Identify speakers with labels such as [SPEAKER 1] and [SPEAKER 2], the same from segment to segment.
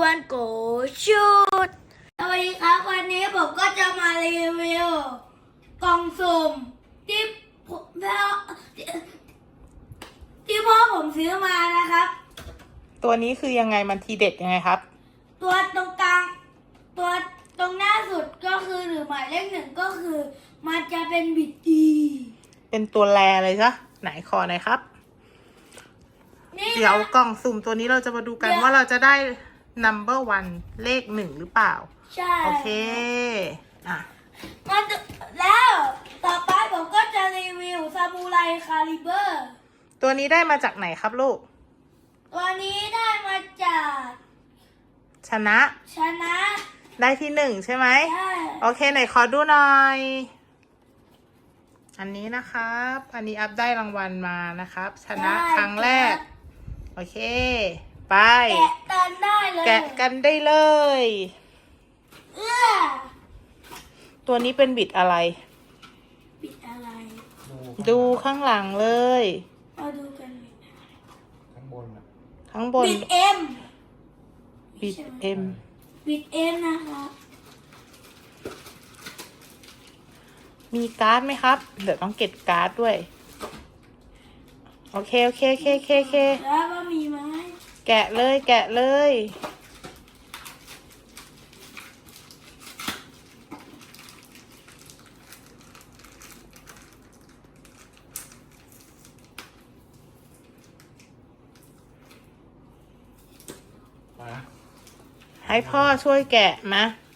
[SPEAKER 1] วันโกชุดสวัสดีครับวันนี้ผมก็จะมารีวิวกล่องสุ่มที่พ่อผมซื้อมานะครับ
[SPEAKER 2] ตัวนี้คือยังไงมันทีเด็ดยังไงครับ
[SPEAKER 1] ตัวตรงกลางตัวตรงหน้าสุดก็คือหรือหมายเลขหนึ่งก็คือมันจะเป็นบิดดี
[SPEAKER 2] เป็นตัวแรเลยจ้ะไหนขอหน่อยครับ
[SPEAKER 1] นี่
[SPEAKER 2] เดี๋ยว
[SPEAKER 1] นะ
[SPEAKER 2] กล่องสุ่มตัวนี้เราจะมาดูกันว่าเราจะได้ number 1 เลข1หรือเปล่า
[SPEAKER 1] ใช่
[SPEAKER 2] โอเคอ่ะ
[SPEAKER 1] มาดูแล้วต่อไปผมก็จะรีวิวซามูไรคาลิเบอร์
[SPEAKER 2] ตัวนี้ได้มาจากไหนครับลูก
[SPEAKER 1] ตัวนี้ได้มาจาก
[SPEAKER 2] ชนะ
[SPEAKER 1] ชนะ
[SPEAKER 2] ได้ที่1ใช่ไหม
[SPEAKER 1] ใช่
[SPEAKER 2] โอเคไหนขอดูหน่อย อันนี้นะครับอันนี้อัพได้รางวัลมานะครับ ชนะครั้งแรกโอเคไป
[SPEAKER 1] แกะกันได้เลย
[SPEAKER 2] แกะกันได้เลย
[SPEAKER 1] เอื้อ
[SPEAKER 2] ตัวนี้เป็นบิดอะไร
[SPEAKER 1] ปิดอะไร
[SPEAKER 2] ดูข้างหลังเลย
[SPEAKER 1] มาดูกัน
[SPEAKER 3] ข้างบนอ่ะ
[SPEAKER 2] ข้างบน
[SPEAKER 1] บิดเอ็ม
[SPEAKER 2] บิดเอ็ม
[SPEAKER 1] บิดเอ็มนะครับ
[SPEAKER 2] มีการ์ดไหมครับ เดี๋ยวต้องเก็บการ์ดด้วย โอเคโอเคโอเคโอเคโอเค
[SPEAKER 1] แล้วก็มีไหม
[SPEAKER 2] แกะเลยแกะเลย
[SPEAKER 3] มา
[SPEAKER 2] ให้พ่อช่วยแกะมา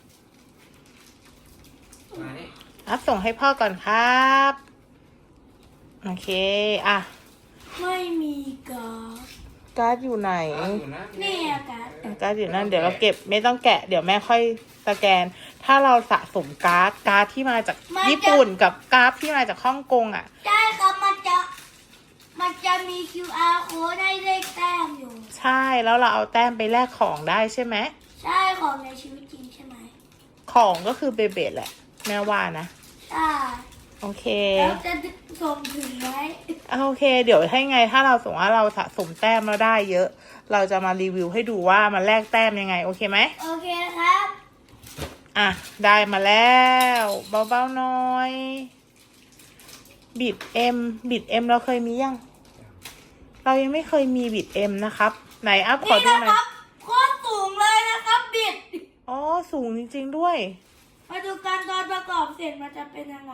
[SPEAKER 3] มานี่
[SPEAKER 2] อัพส่งให้พ่อก่อนครับ โอเคอ่ะ
[SPEAKER 1] ไม่มีการ์ด
[SPEAKER 2] การ์ดอยู่ไหน
[SPEAKER 3] อยู่นะ
[SPEAKER 1] นี่อะการ์ด
[SPEAKER 2] การ์ดอยู่นั่นเดี๋ยวเราเก็บไม่ต้องแกะเดี๋ยวแม่ค่อยสแกน ถ้าเราสะสมการ์ดที่มาจากญี่ปุ่นกับการ์ดที่มาจากฮ่องกงอ่ะ
[SPEAKER 1] ใช่ครับมันจะมี QR code ให้เลขแต้มอยู่
[SPEAKER 2] ใช่แล้วเราเอาแต้มไปแลกของได้ใช่ไหม
[SPEAKER 1] ใช่ของในชีวิตจริงใช่ไหม
[SPEAKER 2] ของก็คือเบเบดแหละแม่ว่านะ
[SPEAKER 1] ใช่
[SPEAKER 2] โอเค
[SPEAKER 1] แล้วจะส่งถึงไหม
[SPEAKER 2] โอเค เดี๋ยวให้ไงถ้าเราสมมติว่าเราสะสมแต้มเราได้เยอะ เราจะมารีวิวให้ดูว่ามันแลกแต้มยังไงโอเคไหม
[SPEAKER 1] โอเคครับ
[SPEAKER 2] อ่ะได้มาแล้วเบาๆหน่อยบิดเอ็มเราเคยมียังเรายังไม่เคยมีบิดเอ็มนะครับไหนอัพขอ
[SPEAKER 1] นี่
[SPEAKER 2] ดู
[SPEAKER 1] นะ
[SPEAKER 2] หน่
[SPEAKER 1] ค
[SPEAKER 2] อ
[SPEAKER 1] รั
[SPEAKER 2] ย
[SPEAKER 1] บโคตรสูงเลยนะครับบิด
[SPEAKER 2] อ๋อสูงจริงๆด้วย
[SPEAKER 1] มาดูการตอนประกอบเสร็จมันจะเป็นยังไง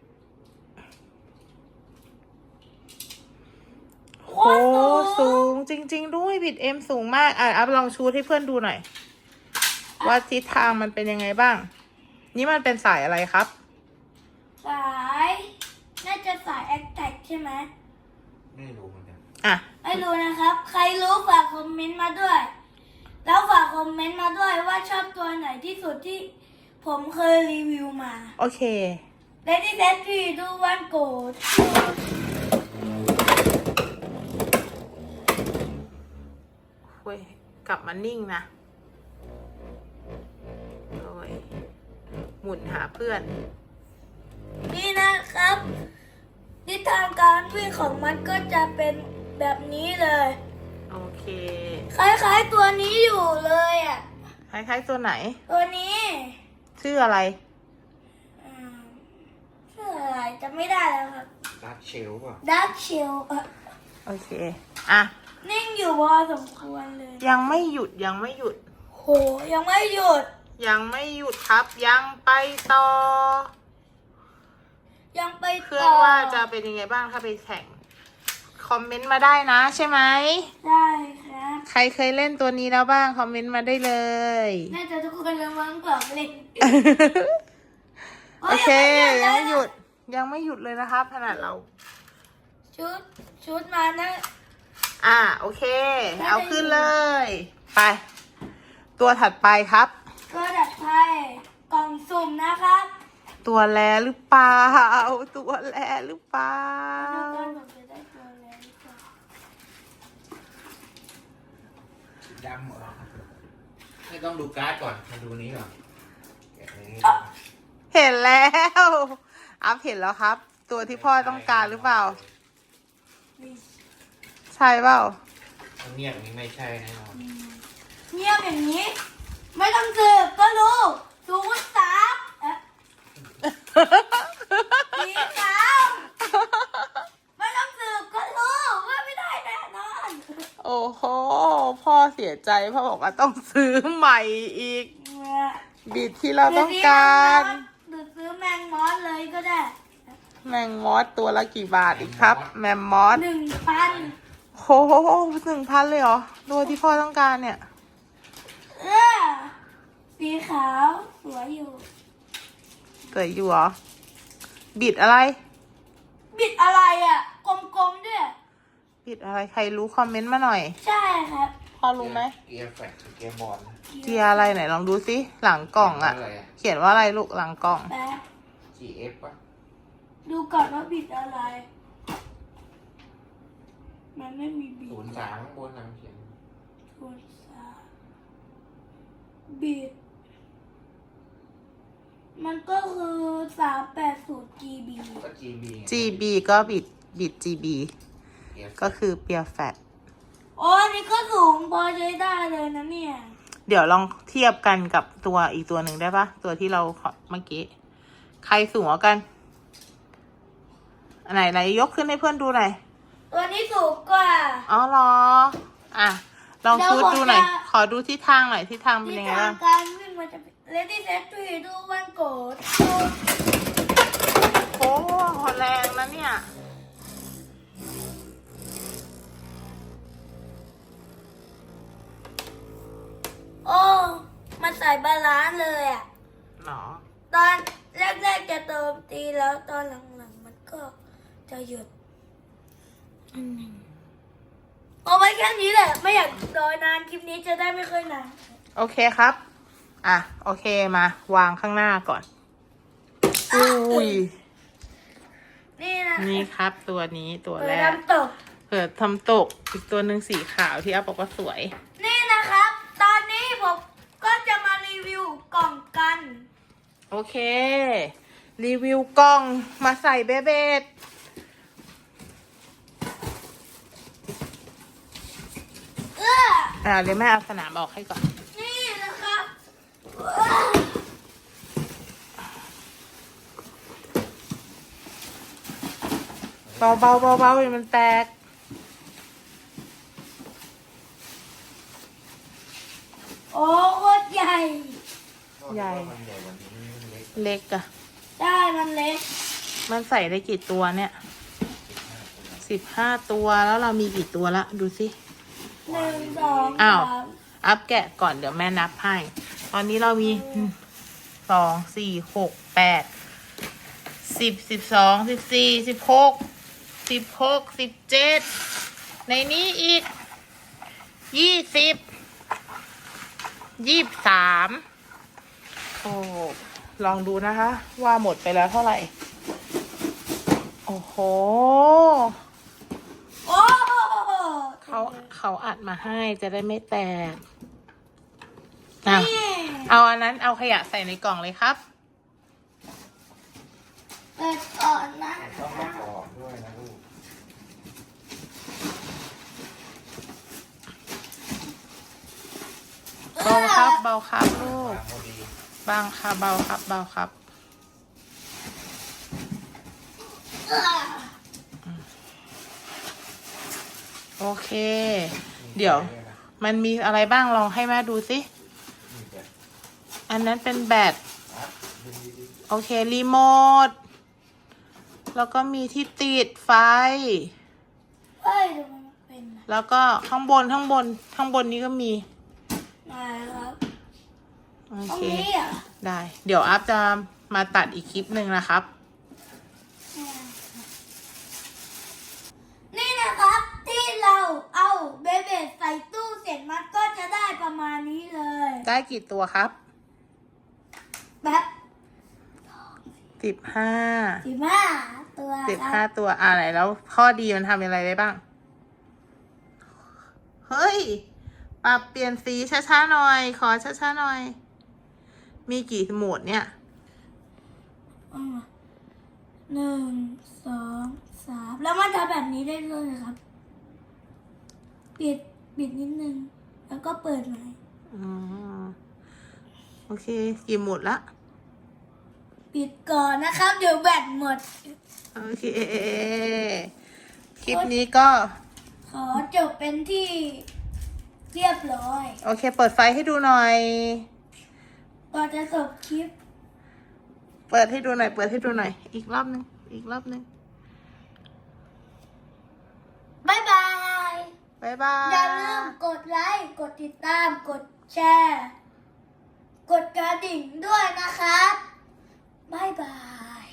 [SPEAKER 1] โค
[SPEAKER 2] โอ้
[SPEAKER 1] ตรสู
[SPEAKER 2] สู
[SPEAKER 1] ง
[SPEAKER 2] งจริง ๆ ด้วยบิดเอ็มสูงมากอ่ะอัพลองชูให้เพื่อนดูหน่อย ว่าทิศทางมันเป็นยังไงบ้าง นี่มันเป็นสายอะไรครับ
[SPEAKER 1] สายน่าจะสายแอคแท็กใช่ไหม
[SPEAKER 3] ไม่รู้เหมือนกัน
[SPEAKER 2] อ่ะ
[SPEAKER 1] ไม่รู้นะครับ ใครรู้ฝากคอมเมนต์มาด้วย แล้วฝากคอมเมนต์มาด้วยว่าชอบตัวไหนที่สุดที่ผมเคยรีวิวมา
[SPEAKER 2] โอเค
[SPEAKER 1] Ready set 3 2 1 go
[SPEAKER 2] เว้ยกลับมานิ่งนะโอ้ยหมุนหาเพื่อน
[SPEAKER 1] นี่นะครับทิศทางการวิ่งของมันก็จะเป็นแบบนี้เลย
[SPEAKER 2] โอเค
[SPEAKER 1] คล้ายๆตัวนี้อยู่เลยอ่ะ
[SPEAKER 2] คล้ายๆตัวไหน
[SPEAKER 1] ตัวนี้
[SPEAKER 2] ชื่ออะไร
[SPEAKER 1] อืมชื่ออะไรจำไม่ได้แล้วครับ
[SPEAKER 3] ดาร์กเชลป่ะ
[SPEAKER 1] Dark Shell
[SPEAKER 2] โอเค อ่ะ
[SPEAKER 1] นิ่งอยู่พอสมควรเลย
[SPEAKER 2] ยังไม่หยุดยังไม่หยุด
[SPEAKER 1] โหยังไม่หยุด
[SPEAKER 2] ยังไม่หยุดครับ ยังไปต่อ
[SPEAKER 1] ยังไป
[SPEAKER 2] เพื่อน
[SPEAKER 1] ต่อ
[SPEAKER 2] ว่าจะเป็นยังไงบ้างถ้าไปแข่ง คอมเมนต์มาได้นะใช่ไหม
[SPEAKER 1] ได้ครับ
[SPEAKER 2] ใครเคยเล่นตัวนี้แล้วบ้าง คอมเมนต์มาได้เลย
[SPEAKER 1] น่าจะทุกคนละมั้งกล่องเล่น
[SPEAKER 2] โอเค ยังไม่
[SPEAKER 1] เล
[SPEAKER 2] หยุด ยังไม่หยุดเลยนะครับขนาดเรา
[SPEAKER 1] ชุดมานะ
[SPEAKER 2] อ่ะโอเค เอาขึ้นเลย ไป ตัวถัดไปครับ
[SPEAKER 1] ก็ดัดไพ่กล่องสุ่มนะครับ
[SPEAKER 2] ตัวแลหรือเปล่า ตัวแลหรือเปล่า
[SPEAKER 1] ดูกันผมจะได้ตัวอะไรหรือเปล่า
[SPEAKER 3] สีดำเหรอไม่ต้องดูการ์ดก่อนมาดูนี้ก่อนแกะนี้
[SPEAKER 2] เห็นแล้ว อัพเห็นแล้วครับ ตัวที่พ่อต้องการหรือเปล่า
[SPEAKER 1] นี่
[SPEAKER 2] ใช่เปล่า
[SPEAKER 3] เงียบนี้ไม่ใช่แน่นอน
[SPEAKER 1] เงียบอย่างนี้ ไม่ต้องสืบก็รู้สูงสามสีขาวไม่ต้องสืบก็รู้ว่าไม่ได้แน่นอน
[SPEAKER 2] โอ้โห พ่อเสียใจพ่อบอกว่าต้องซื้อใหม่อีก บิดที่เราต้องการ
[SPEAKER 1] หรือซื้อแมงมอสเลยก็ได้
[SPEAKER 2] แมงมอสตัวละกี่บาทอีกครับ แมมมอส
[SPEAKER 1] 1,000
[SPEAKER 2] โห1,000เลยเหรอตัวที่พ่อต้องการเนี่ย
[SPEAKER 1] สีขาวสวยอยู่
[SPEAKER 2] สวยอยู่เหรอ บิดอะไร
[SPEAKER 1] บิดอะไรอ่ะ กลมๆด้วย
[SPEAKER 2] บิดอะไรใครรู้คอมเมนต์มาหน่อย
[SPEAKER 1] ใช่ครับ
[SPEAKER 2] พ่อรู้ไหม
[SPEAKER 3] เกียร์แฟลตเกียร์บอล
[SPEAKER 2] เกียร์อะไรไหนลองดูสิหลังกล่องอะ
[SPEAKER 3] อะไรอะ
[SPEAKER 2] เขียนว่าอะไรลูกหลังกล่อง
[SPEAKER 1] แป๊บ
[SPEAKER 3] GF ปะ
[SPEAKER 1] ดูก่อนว่าบิดอะไร มันไม่มีบิด
[SPEAKER 3] 03ข้างบนนะเขียน
[SPEAKER 1] ศูนย์สามบิด มันก็คือ380 GB
[SPEAKER 3] ก็ GB ไง
[SPEAKER 2] GB ก็บิด GB
[SPEAKER 3] เกียร์
[SPEAKER 2] ก็คือเปียแฟต
[SPEAKER 1] โอ้อันนี่ก็สูงพอใช้ได้เลยนะเนี่ย
[SPEAKER 2] เดี๋ยวลองเทียบกันกับตัวอีกตัวหนึ่งได้ปะตัวที่เราเมื่อกี้ ใครสูงกว่ากันอันไหนยกขึ้นให้เพื่อนดูหน่อย
[SPEAKER 1] ตัวนี้สูงกว่า
[SPEAKER 2] อ๋อเหรอ อ่ะ ลองชูดดูหน่อย
[SPEAKER 1] เดี๋ยวผมจะ
[SPEAKER 2] ขอดูทิศทางหน่อยทิศทางเป็น
[SPEAKER 1] ที่
[SPEAKER 2] ยังไง
[SPEAKER 1] ทา
[SPEAKER 2] บ้าง ง
[SPEAKER 1] การวิ่งมันจะ Ready Set 3 2 1 Go
[SPEAKER 2] โอ้แรงนะเนี่ย
[SPEAKER 1] โอ้มันใส่บาลานซ์เลยอ่ะ
[SPEAKER 2] หรอ
[SPEAKER 1] ตอนแรกๆจะโจมตีแล้วตอนหลังๆมันก็จะหยุดเอาไว้แค่นี้แหละ ไม่อยากรอนานคลิปนี้จะได้ไม่ค่อยนาน
[SPEAKER 2] โอเคครับ อ่ะ โอเคมาวางข้างหน้าก่อน อุ้ย
[SPEAKER 1] นี่นะ
[SPEAKER 2] นี่ครับตัวนี้ตัว
[SPEAKER 1] เปิ
[SPEAKER 2] แร
[SPEAKER 1] ด
[SPEAKER 2] ก
[SPEAKER 1] น้ำตก
[SPEAKER 2] เปิดทำตก อีกตัวหนึ่งสีขาวที่อัพบอกว่าสวย
[SPEAKER 1] นี่นะครับ ตอนนี้ผมก็จะมารีวิวกล่องกัน
[SPEAKER 2] โอเค รีวิวกล้องมาใส่เบเบด เดี๋ยวแม่เอาสนามออกให้ก่อน
[SPEAKER 1] นี่นะครับ
[SPEAKER 2] เบาเบาเบาเบาอย่ามันแตก
[SPEAKER 1] โอ้โคตรใหญ่
[SPEAKER 2] ใหญ่
[SPEAKER 3] มันใหญ่กว่านี้มันเล็ก
[SPEAKER 2] เล็กอะ
[SPEAKER 1] ได้มันเล็ก
[SPEAKER 2] มันใส่ได้กี่ตัวเนี่ย15 ตัวแล้วเรามีกี่ตัวละดูสิ
[SPEAKER 1] 1 2
[SPEAKER 2] อ้าว
[SPEAKER 1] 3
[SPEAKER 2] อัพแกะก่อนเดี๋ยวแม่นับให้ ตอนนี้เรามี2 4 6 8 10 12 14 16 16 17ในนี้อีก20 23โอ้ลองดูนะคะ ว่าหมดไปแล้วเท่าไหร่ โอ้โห
[SPEAKER 1] โอ้
[SPEAKER 2] เขาอัดมาให้จะได้ไม่แตกอ่ะ
[SPEAKER 1] นี่
[SPEAKER 2] เอาอันนั้นเอาขยะใส่ในกล่องเลยครับ
[SPEAKER 1] เปิดก่อนนะ
[SPEAKER 3] ต้องประกอบด้วยนะลูก
[SPEAKER 2] เบาครับเบาครับลูก
[SPEAKER 3] วางพอดี
[SPEAKER 2] บางค่ะเบาครับเบาครับ โอเค เดี๋ยว มันมีอะไรบ้างลองให้แม่ดูสิ
[SPEAKER 3] นี่แบบ
[SPEAKER 2] อันนั้นเป็นแบต
[SPEAKER 3] อ่ะดึงดี
[SPEAKER 2] โอเค รีโมท แล้วก็มีที่ติดไฟ
[SPEAKER 1] เฮ้ยดูมันเป็นนะ
[SPEAKER 2] แล้วก็ข้างบนนี้ก็มี
[SPEAKER 1] นะครับ
[SPEAKER 2] โอ
[SPEAKER 1] ตรง
[SPEAKER 2] เค
[SPEAKER 1] นี้อ่ะ
[SPEAKER 2] ได้ เดี๋ยวอัพจะมาตัดอีกคลิปหนึ่งนะครับ
[SPEAKER 1] นี่นะครับ ที่เราเอาเบเบดใส่ตู้เสร็จมันก็จะได้ประมาณนี้เลย
[SPEAKER 2] ได้กี่ตัวครับ
[SPEAKER 1] แบบ
[SPEAKER 2] 15
[SPEAKER 1] 15 ตัวครับ
[SPEAKER 2] 15 ตัวไหนแล้วข้อดีมันทำอะไรได้บ้าง เฮ้ย ปรับเปลี่ยนสีช้าๆหน่อย ขอช้าๆหน่อย มีกี่โหมดเนี่ย
[SPEAKER 1] 1 2 3 แล้วมันทำแบบนี้ได้ด้วยนะครับ ปิดนิดนึง แล้วก็เปิดใหม่
[SPEAKER 2] อ๋อโอเค กี่หมดละ
[SPEAKER 1] ปิดก่อนนะครับ เดี๋ยวแบตหมด
[SPEAKER 2] โอเค คลิปนี้ก็
[SPEAKER 1] ขอจบเป็นที่เรียบร้อย
[SPEAKER 2] โอเค เปิดไฟให้ดูหน่อย
[SPEAKER 1] ก่อนจะจบคลิป
[SPEAKER 2] เปิดให้ดูหน่อย เปิดให้ดูหน่อย อีกรอบนึง อีกรอบนึง
[SPEAKER 1] บ๊ายบาย
[SPEAKER 2] บ๊ายบาย
[SPEAKER 1] อย่าลืมกดไลค์ กดติดตาม กดแชร์ กดกระดิ่งด้วยนะครับ บ๊ายบาย